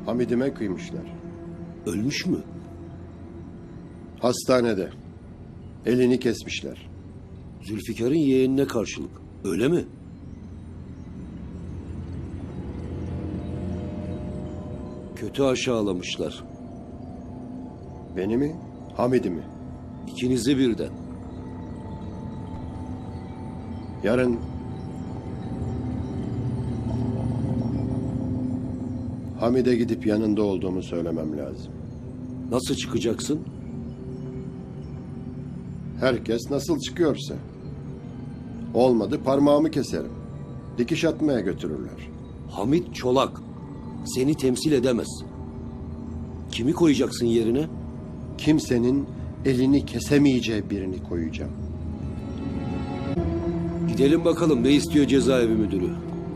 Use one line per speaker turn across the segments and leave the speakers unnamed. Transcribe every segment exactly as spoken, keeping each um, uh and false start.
Hamidime kıymışlar.
Ölmüş mü?
Hastanede. Elini kesmişler.
Zülfikar'ın yeğenine karşılık. Öyle mi? Kötü aşağılamışlar.
Beni mi? Hamid'i mi?
İkinizi birden.
Yarın Hamid'e gidip yanında olduğumu söylemem lazım.
Nasıl çıkacaksın?
Herkes nasıl çıkıyorsa. Olmadı parmağımı keserim. Dikiş atmaya götürürler.
Hamit Çolak. Seni temsil edemez. Kimi koyacaksın yerine?
Kimsenin elini kesemeyeceği birini koyacağım.
Gidelim bakalım ne istiyor cezaevi müdürü?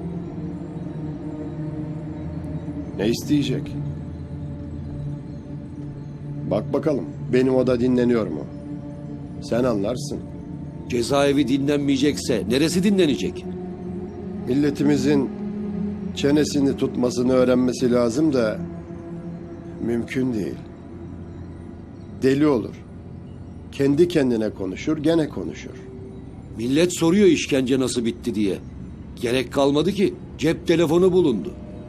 Ne isteyecek? Bak bakalım benim oda dinleniyor mu? Sen anlarsın.
Cezaevi dinlenmeyecekse neresi dinlenecek?
Milletimizin çenesini tutmasını öğrenmesi lazım da mümkün değil. Deli olur. Kendi kendine konuşur, gene konuşur.
Millet soruyor işkence nasıl bitti diye. Gerek kalmadı ki cep telefonu bulundu.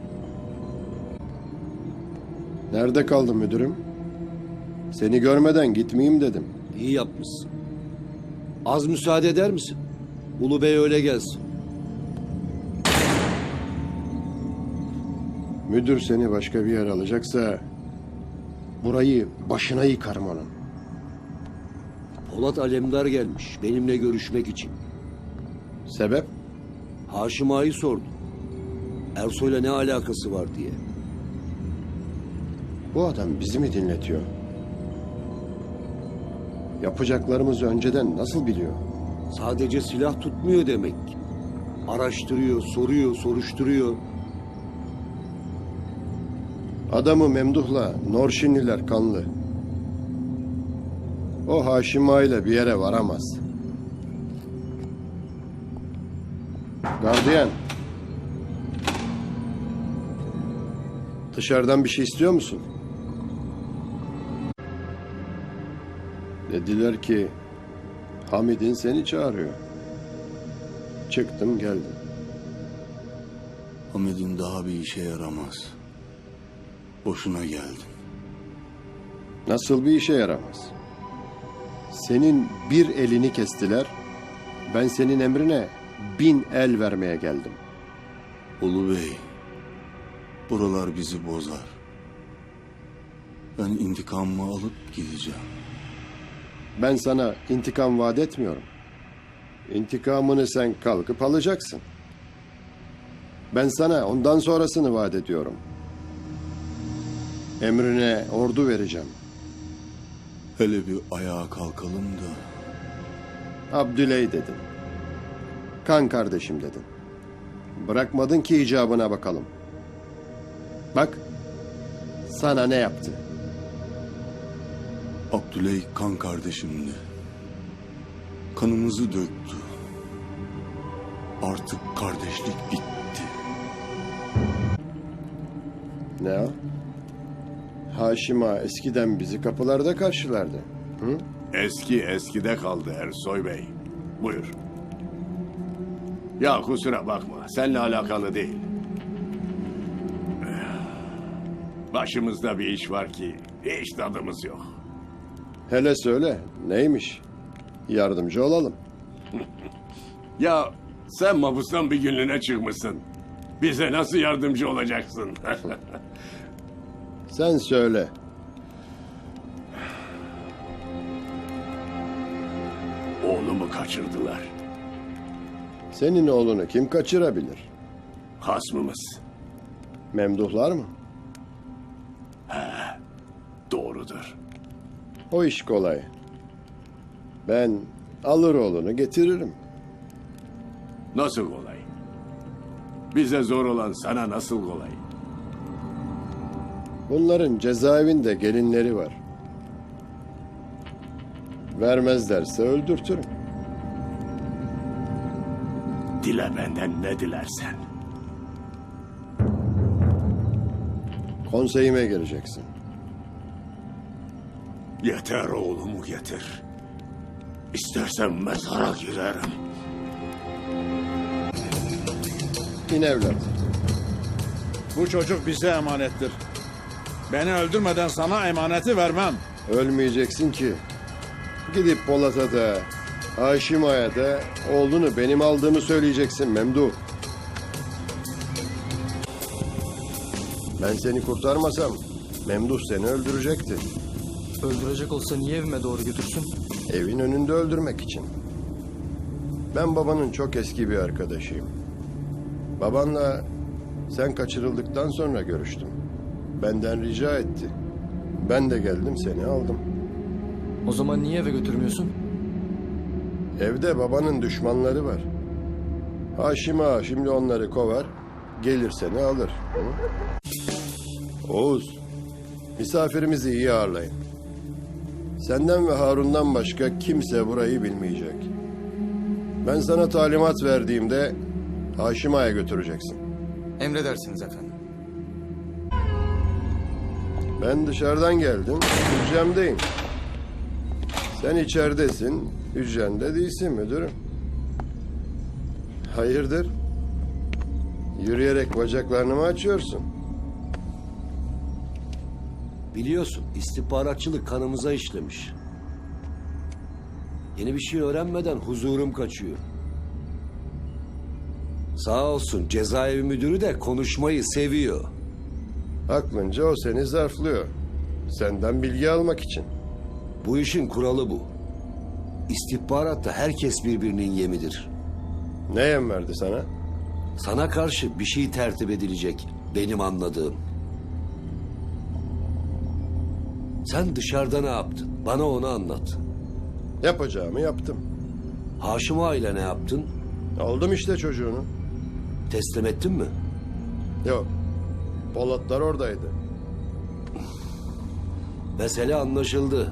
Nerede kaldın müdürüm? Seni görmeden gitmeyeyim dedim.
İyi yapmışsın. Az müsaade eder misin? Ulu Bey öyle gelsin.
Müdür seni başka bir yer alacaksa burayı başına yıkarım onun.
Polat Alemdar gelmiş benimle görüşmek için.
Sebep?
Haşim Ağa'yı sordu. Ersoy'la ne alakası var diye.
Bu adam bizi mi dinletiyor? Yapacaklarımızı önceden nasıl biliyor?
Sadece silah tutmuyor demek. Araştırıyor, soruyor, soruşturuyor.
Adamı Memduh'la Norşinliler kanlı. O Haşim Ağa ile bir yere varamaz. Gardiyan. Dışarıdan bir şey istiyor musun? Dediler ki Hamid'in seni çağırıyor. Çıktım geldim.
Hamid'in daha bir işe yaramaz. Boşuna geldin.
Nasıl bir işe yaramaz? Senin bir elini kestiler. Ben senin emrine bin el vermeye geldim.
Ulu Bey, buralar bizi bozar. Ben intikamımı alıp gideceğim.
Ben sana intikam vaat etmiyorum. İntikamını sen kalkıp alacaksın. Ben sana ondan sonrasını vaat ediyorum. Emrine ordu vereceğim.
Hele bir ayağa kalkalım da.
Abdüley dedin. Kan kardeşim dedin. Bırakmadın ki icabına bakalım. Bak, sana ne yaptı?
Abdüley kan kardeşimdi. Kanımızı döktü. Artık kardeşlik bitti.
Ne o? Haşim Ağa eskiden bizi kapılarda karşılardı. Hı?
Eski eskide kaldı Ersoy Bey. Buyur. Ya kusura bakma, seninle alakalı değil. Başımızda bir iş var ki hiç tadımız yok.
Hele söyle, neymiş? Yardımcı olalım.
Ya sen mahpustan bir günlüğüne çıkmışsın. Bize nasıl yardımcı olacaksın?
Sen söyle.
Oğlumu kaçırdılar.
Senin oğlunu kim kaçırabilir?
Hasmımız.
Memduhlar mı?
Doğrudur.
O iş kolay. Ben alır oğlunu getiririm.
Nasıl kolay? Bize zor olan sana nasıl kolay?
Bunların cezaevinde gelinleri var. Vermezlerse öldürtürüm.
Dile benden ne dilersen.
Konseyime gireceksin.
Yeter oğlumu getir. İstersen mezara girerim.
İn evlat.
Bu çocuk bize emanettir. Beni öldürmeden sana emaneti vermem.
Ölmeyeceksin ki. Gidip Polat'a da, Haşim Ağa'ya da oğlunu benim aldığımı söyleyeceksin Memduh. Ben seni kurtarmasam Memduh seni öldürecekti.
Öldürecek olsa niye evime doğru götürsün?
Evin önünde öldürmek için. Ben babanın çok eski bir arkadaşıyım. Babanla sen kaçırıldıktan sonra görüştüm. Benden rica etti. Ben de geldim seni aldım.
O zaman niye eve götürmüyorsun?
Evde babanın düşmanları var. Haşim Ağa şimdi onları kovar, gelir seni alır. Hı? Oğuz, misafirimizi iyi ağırlayın. Senden ve Harun'dan başka kimse burayı bilmeyecek. Ben sana talimat verdiğimde Haşim Ağa'ya götüreceksin.
Emredersiniz efendim.
Ben dışarıdan geldim, hücremdeyim. Sen içeridesin, hücrende değilsin müdürüm. Hayırdır? Yürüyerek bacaklarını mı açıyorsun?
Biliyorsun istihbaratçılık kanımıza işlemiş. Yeni bir şey öğrenmeden huzurum kaçıyor. Sağ olsun cezaevi müdürü de konuşmayı seviyor.
Aklınca o seni zarflıyor. Senden bilgi almak için.
Bu işin kuralı bu. İstihbaratta herkes birbirinin yemidir.
Ne yem verdi sana?
Sana karşı bir şey tertip edilecek benim anladığım. Sen dışarıda ne yaptın? Bana onu anlat.
Yapacağımı yaptım.
Haşim Ağa ile ne yaptın?
Aldım işte çocuğunu.
Teslim ettin mi?
Yok. Polatlar oradaydı.
Mesele anlaşıldı.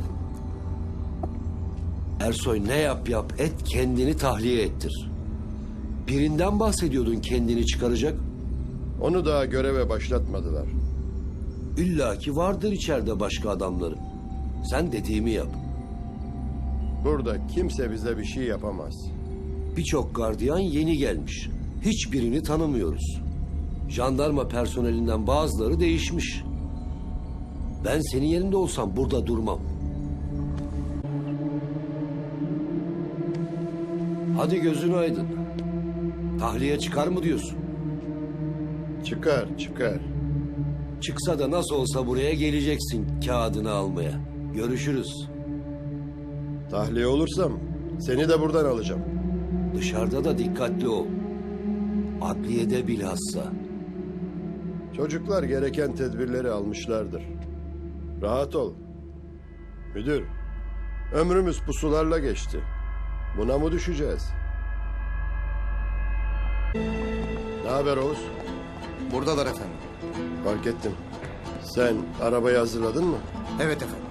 Ersoy ne yap yap et kendini tahliye ettir. Birinden bahsediyordun kendini çıkaracak.
Onu daha göreve başlatmadılar.
İlla ki vardır içeride başka adamları. Sen dediğimi yap.
Burada kimse bize bir şey yapamaz.
Birçok gardiyan yeni gelmiş. Hiçbirini tanımıyoruz. Jandarma personelinden bazıları değişmiş. Ben senin yerinde olsam burada durmam. Hadi gözün aydın. Tahliye çıkar mı diyorsun?
Çıkar, çıkar.
Çıksa da nasıl olsa buraya geleceksin kağıdını almaya. Görüşürüz.
Tahliye olursam seni de buradan alacağım.
Dışarıda da dikkatli ol. Adliyede bilhassa.
Çocuklar gereken tedbirleri almışlardır. Rahat ol. Müdür, ömrümüz pusularla geçti. Buna mı düşeceğiz? Ne haber Oğuz?
Buradalar efendim.
Fark ettim. Sen arabayı hazırladın mı?
Evet efendim.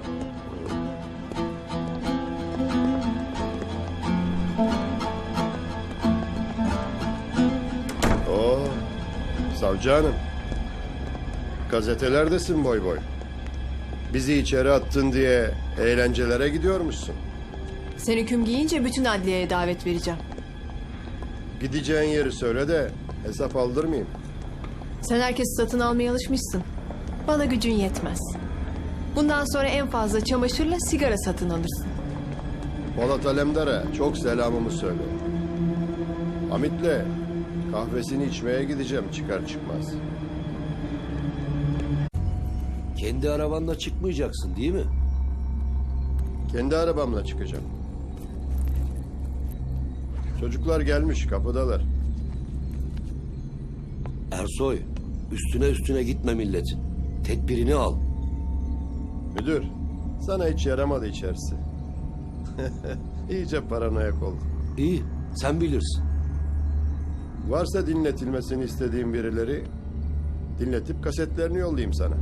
Oo, savcı hanım. Gazetelerdesin boy boy. Bizi içeri attın diye eğlencelere gidiyormuşsun.
Sen hüküm giyince bütün adliyeye davet vereceğim.
Gideceğin yeri söyle de hesap aldırmayayım.
Sen herkesi satın almaya alışmışsın. Bana gücün yetmez. Bundan sonra en fazla çamaşırla sigara satın alırsın.
Polat Alemdar'a çok selamımı söyle. Hamit'le kahvesini içmeye gideceğim çıkar çıkmaz.
Kendi arabanla çıkmayacaksın değil mi?
Kendi arabamla çıkacağım. Çocuklar gelmiş kapıdalar.
Ersoy, üstüne üstüne gitme milletin. Tedbirini al.
Müdür, sana hiç yaramadı içerisi. İyice paranoyak oldum.
İyi, sen bilirsin.
Varsa dinletilmesini istediğim birileri, dinletip kasetlerini yollayayım sana.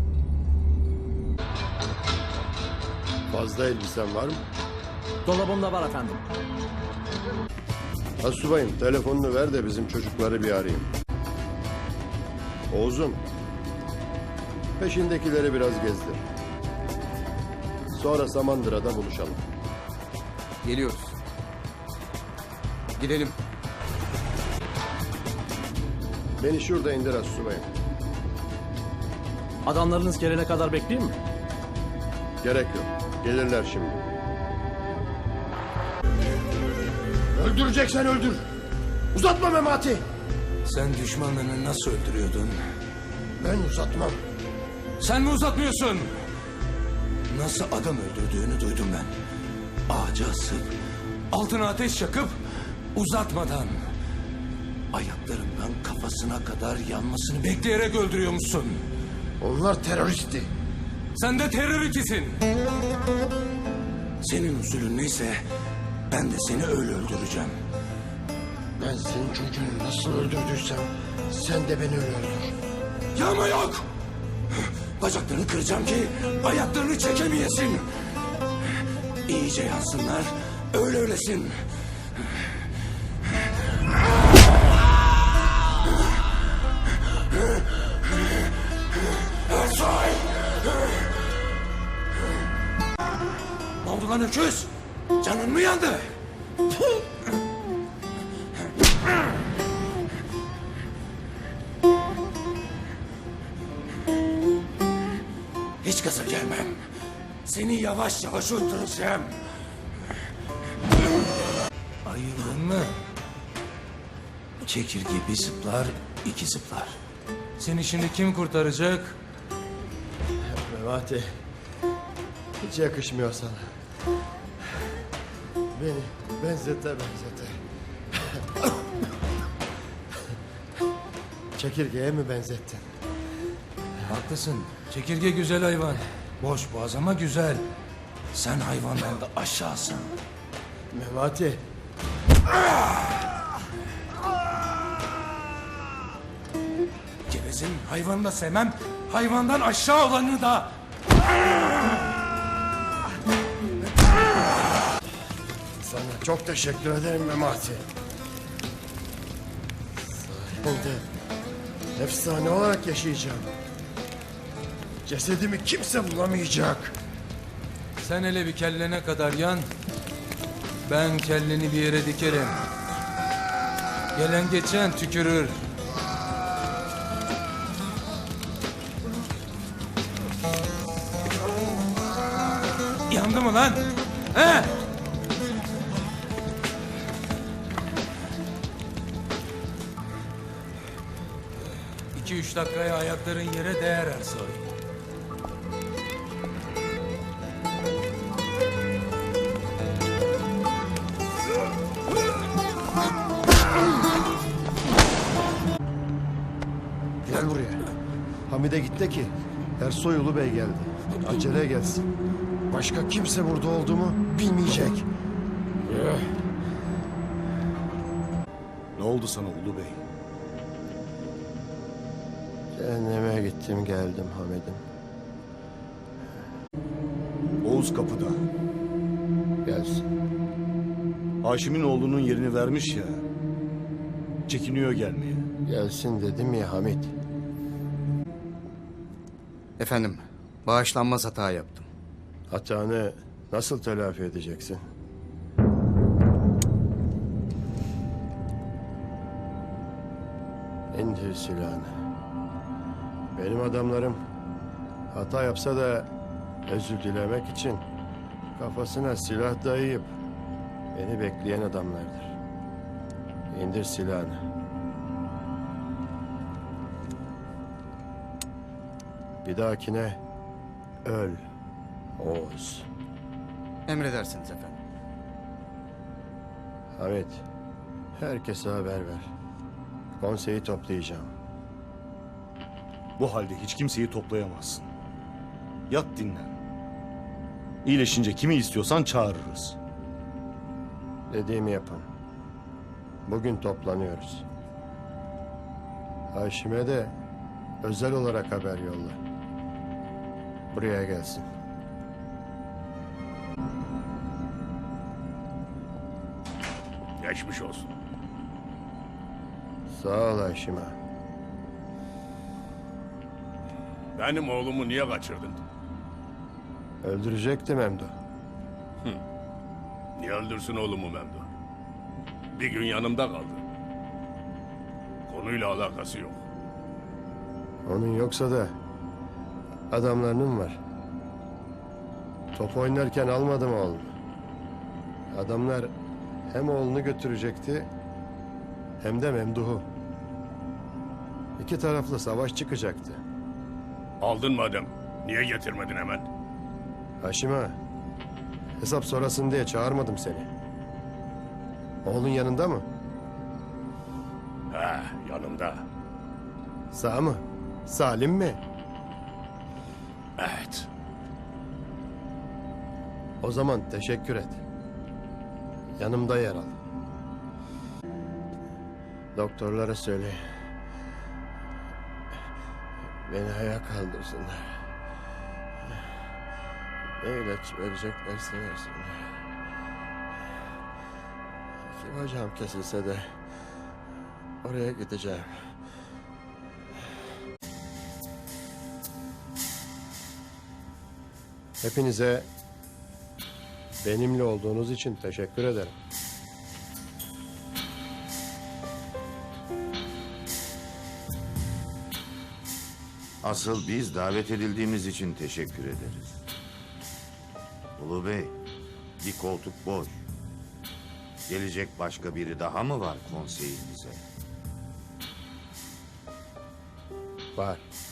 Fazla elbisen var mı?
Dolabımda var efendim.
Asubayım, telefonunu ver de bizim çocukları bir arayayım. Oğuz'um, Peşindekileri biraz gezdir. Sonra Samandıra'da buluşalım.
Geliyoruz. Gidelim.
Beni şurada indir astsubayım.
Adamlarınız gelene kadar bekleyeyim mi?
Gerek yok. Gelirler şimdi. Öldüreceksen öldür. Uzatma Memati.
Sen düşmanlarını nasıl öldürüyordun?
Ben uzatmam.
Sen mi uzatmıyorsun? Nasıl adam öldürdüğünü duydum ben. Ağaca asıp, altına ateş yakıp, uzatmadan... ayaklarından kafasına kadar yanmasını bekleyerek öldürüyormuşsun.
Onlar teröristti.
Sen de terör ikisin. Senin usulün neyse ben de seni öyle öldüreceğim.
Ben senin çocuğunu nasıl öldürdüysem sen de beni öyle öldür.
Yağma yok. Bacaklarını kıracağım ki ayaklarını çekemeyesin. İyice yansınlar, öyle öylesin. Ersoy! Ne oldu lan öküz? Canın mı yandı? Hiç gaza gelmem. Seni yavaş yavaş öldüreceğim. Ayıldın mı? Çekirge bir zıplar, iki zıplar. Seni şimdi kim kurtaracak?
Memati. Hiç yakışmıyor sana. Beni benzete benzete. Çekirgeye mi benzettin?
Haklısın. Çekirge güzel hayvan. Boş boğaz ama güzel. Sen hayvandan da aşağısın.
Memati.
Gevezin hayvanı da sevmem. Hayvandan aşağı olanı da.
Sana çok teşekkür ederim Memati. Sayende efsane olarak yaşayacağım. Cesedimi kimse bulamayacak.
Sen hele bir kellene kadar yan. Ben kelleni bir yere dikerim. Gelen geçen tükürür. Yandı mı lan? He? İki üç dakikaya ayakların yere değer Ersoy.
Gel buraya. Hamide git de ki Ersoy Ulu Bey geldi. Acele gelsin. Başka kimse burada olduğumu bilmeyecek.
Ne oldu sana Ulu Bey?
Cehenneme gittim geldim Hamid'im.
Oğuz kapıda.
Gelsin.
Haşim'in oğlunun yerini vermiş ya. Çekiniyor gelmeye.
Gelsin dedim ya Hamid.
Efendim, bağışlanmaz hata yaptım.
Hatanı nasıl telafi edeceksin? İndir silahını. Benim adamlarım hata yapsa da özür dilemek için kafasına silah dayayıp beni bekleyen adamlardır. İndir silahını. Bir dahakine öl Oğuz.
Emredersiniz efendim.
Hamit, herkese haber ver. Konseyi toplayacağım.
Bu halde hiç kimseyi toplayamazsın. Yat dinlen. İyileşince kimi istiyorsan çağırırız.
Dediğimi yapın. Bugün toplanıyoruz. Haşim'e de özel olarak haber yolla. Buraya gelsin.
Geçmiş olsun.
Sağ ol Haşim ağa.
Benim oğlumu niye kaçırdın?
Öldürecektim Memdu.
Niye öldürsün oğlumu Memduh? Bir gün yanımda kaldı. Konuyla alakası yok.
Onun yoksa da adamlarının var. Top oynarken almadım oğlunu. Adamlar hem oğlunu götürecekti hem de Memduh'u. İki taraflı savaş çıkacaktı.
Aldın madem. Niye getirmedin hemen?
Haşim ağa, hesap sorasın diye çağırmadım seni. Oğlun yanında mı?
He, yanımda.
Sağ mı? Salim mi?
Evet.
O zaman teşekkür et. Yanımda yer al. Doktorlara söyle. Beni ayağa kaldırsınlar. Ne ilaç vereceklerse versinler. İki bacağım kesilse de oraya gideceğim. Hepinize benimle olduğunuz için teşekkür ederim.
Asıl biz davet edildiğimiz için teşekkür ederiz. Ulu Bey, bir koltuk boş. Gelecek başka biri daha mı var konseyimize?
Var.